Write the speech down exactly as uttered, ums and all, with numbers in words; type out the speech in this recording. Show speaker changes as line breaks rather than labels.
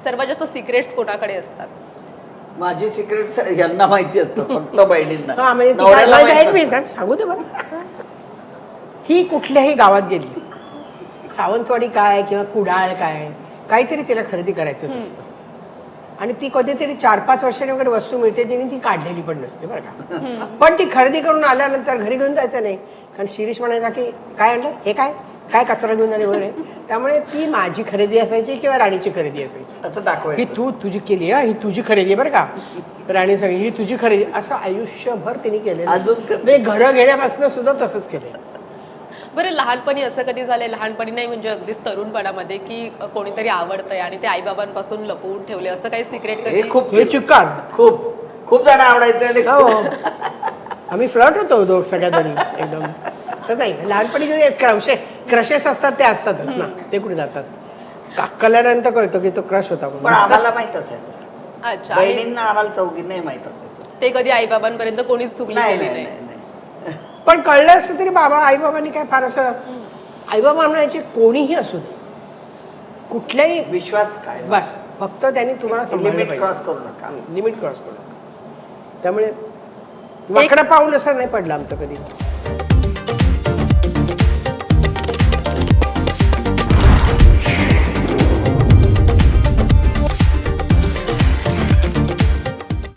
सर्वात जास्त सिक्रेट्स कोणाकडे असतात?
माझी सिक्रेट यांना माहिती असतं, फक्त बहिणींना.
हा म्हणजे ती
नवऱ्याला
काय-
माहित
एक मिनिट हा, सांगू दे बरं. ही कुठल्याही गावात गेली, सावंतवाडी काय किंवा कुडाळ काय, काहीतरी तिला खरेदी करायचंच असतं. आणि ती कधीतरी चार पाच वर्षांनी वगैरे वस्तू मिळते जिने ती काढलेली पण नसते बरं का. पण ती खरेदी करून आल्यानंतर घरी घेऊन जायचं नाही, कारण शिरीष म्हणायचा की काय आणलं हे, काय काय कचरा घेऊन आले वगैरे. त्यामुळे ती माझी खरेदी असायची किंवा राणीची खरेदी असायची.
असं
ही
दाखवायचं.
तू तुझी केली आहे, ही तुझी खरेदी आहे बरं का. राणी सांग ही तुझी खरेदी, असं आयुष्यभर तिने केलेलं.
अजून कर-
म्हणजे घरं घेण्यापासून सुद्धा तसंच केलं.
बरं, लहानपणी असं कधी झालंय, लहानपणी नाही म्हणजे अगदीच तरुणपणामध्ये, की कोणीतरी आवडतंय आणि ते आईबाबांपासून लपवून ठेवले, असं काही सिक्रेट कधी?
हे खूप
हे चिक्कार
खूप खूप जण आवडायचे आणि
हो आम्ही फ्लर्ट होतो दोघ सगळ्या जणी एकदम. असं नाही, लहानपणी जे क्रशे क्रशेस असतात ते असतातच ना, ते कुठे जातात. का- कल्यानंतर कळतं की तो क्रश होता
पण
म्हणून.
आम्हाला माहित असायचं.
अच्छा. आणि
बहिणींना आम्हाला चौघींनाही माहित असायचं.
ते कधी आईबाबांपर्यंत कोणीच चुकली
नाही
गेली
नाही
नाही?
नाही, नाही.
पण कळलं असतं तरी बाबा आईबाबांनी काय फार असं, आईबाबा म्हणायचे कोणीही असू दे, कुठल्याही,
विश्वास काय
बस फक्त त्यांनी तुम्हाला सांभाळलं
लिमिट
पाहिजे.
क्रॉस करू नका.
लिमिट क्रॉस करू नका. त्यामुळे वाकडं पाऊल असं नाही पडलं आमचं कधी.